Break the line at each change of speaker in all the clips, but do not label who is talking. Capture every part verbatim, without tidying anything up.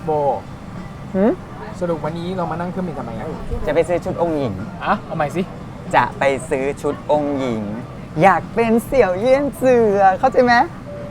โบสรุปวันนี้เรามานั่งเครื่องบินทำไมอ่ะ
จะไปซื้อชุดองค์หญิง
อ่ะเอาใหม่สิ
จะไปซื้อชุดองค์หญิงอยากเป็นเสี่ยวเยี่ยนเสือเข้าใจไหม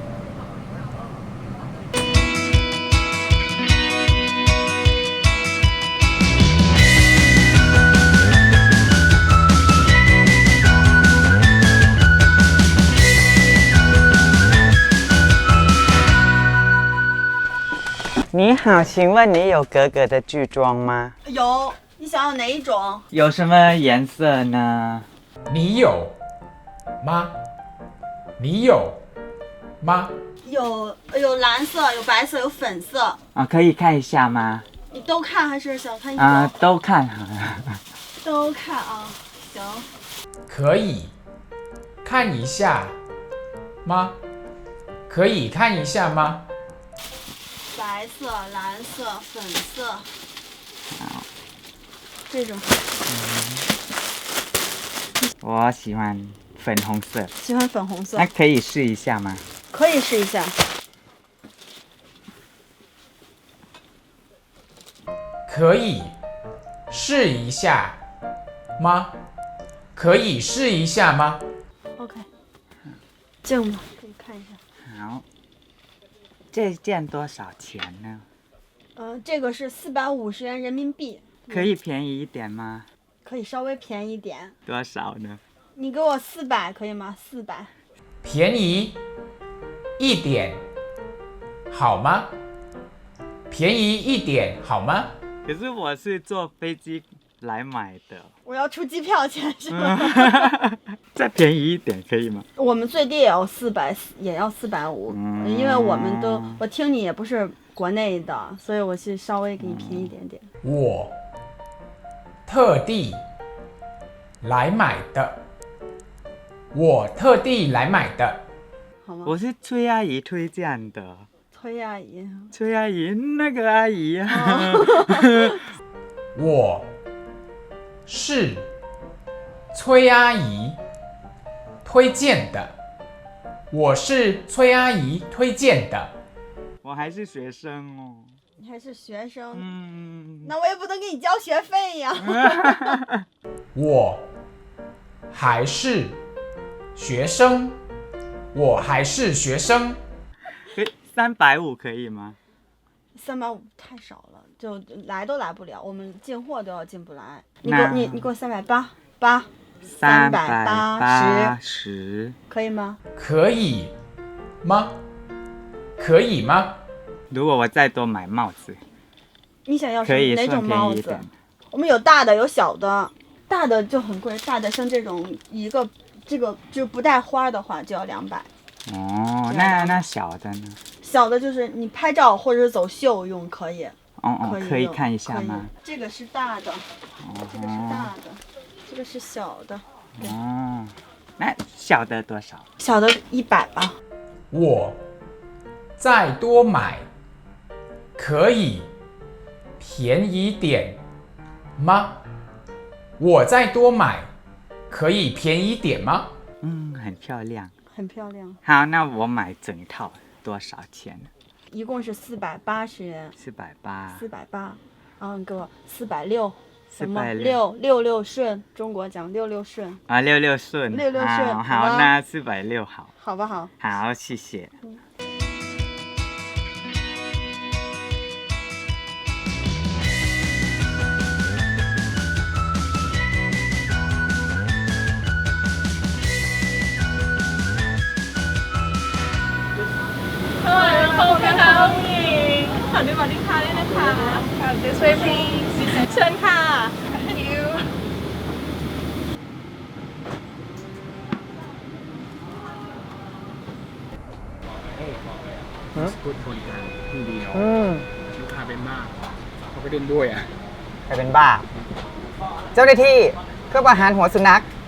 你好，请问你有格格的剧装吗？
有，你想要哪一种？
有什么颜色呢？
你有吗？你有吗？
有有蓝色，有白色，有粉色。
啊，可以看一下吗？
你都看还是想看一种？
啊，都看好了。
都看啊，行。
可以看一下吗？可以看一下吗？
白色、蓝色、粉色，这种。
我喜欢粉红色。
喜欢粉红色。
那可以试一下吗？
可以试一下。
可以试一下吗？可以试一下吗
？OK， 这样吧，可以看一下。
好。这件多少钱呢？
呃，这个是四百五十元人民币。
可以便宜一点吗？
可以稍微便宜一点。
多少呢？
你给我四百可以吗？四百。
便宜一点好吗？便宜一点好吗？
可是我是坐飞机来买的。
我要出机票钱是吗？
再便宜一点可以吗？
我们最低也要四百，也要四百五，因为我们都，我听你也不是国内的，所以我是稍微给你便宜一点点。
我特地来买的，我特地来买的。
好吗？
我是崔阿姨推荐的。
崔阿姨。
崔阿姨，那个阿姨啊。
我是崔阿姨推荐的，我是崔阿姨推荐的。
我还是学生哦。
你还是学生？
嗯。
那我也不能给你交学费呀。
我还是学生，我还是学生。
三百五可以吗？
三百五太少了，就来都来不了，我们进货都要进不来。你给我你你给我三百八八，三百八
十，
可以吗？
可以吗？可以吗？
如果我再多买帽子，
你想要什么哪种帽子？我们有大的有小的，大的就很贵，大的像这种一个这个就不带花的话就要两百。
哦，那那小的呢？
小的就是你拍照或者是走秀用可以。
哦哦，可以看一下吗？
这个是大的，这个是大的，这个是小的。
哦，那小的多少？
小的一百吧。
我再多买可以便宜点吗？我再多买可以便宜点吗？
嗯，很漂亮，
很漂亮。
好，那我买整套多少钱？
一共是四百八十元。
四百八。
四百八，然后你给我四百六。
四百
六六六顺，中国讲六六顺
啊，六六顺，
六六顺，
好，好那四百六好，
好不好？
好，谢谢。嗯
หันไปบอกลูกค้าด้วยนะคะ This way please เชิญค่ะ Thank you
พูดคนกลางพูดดีเนาะลูกค้าเป็นบ้าเขาไปเล่นด้วยอ่ะ
ใครเป็นบ้า เจ้าหน้าที่เครื่องประหารหัวสุนัข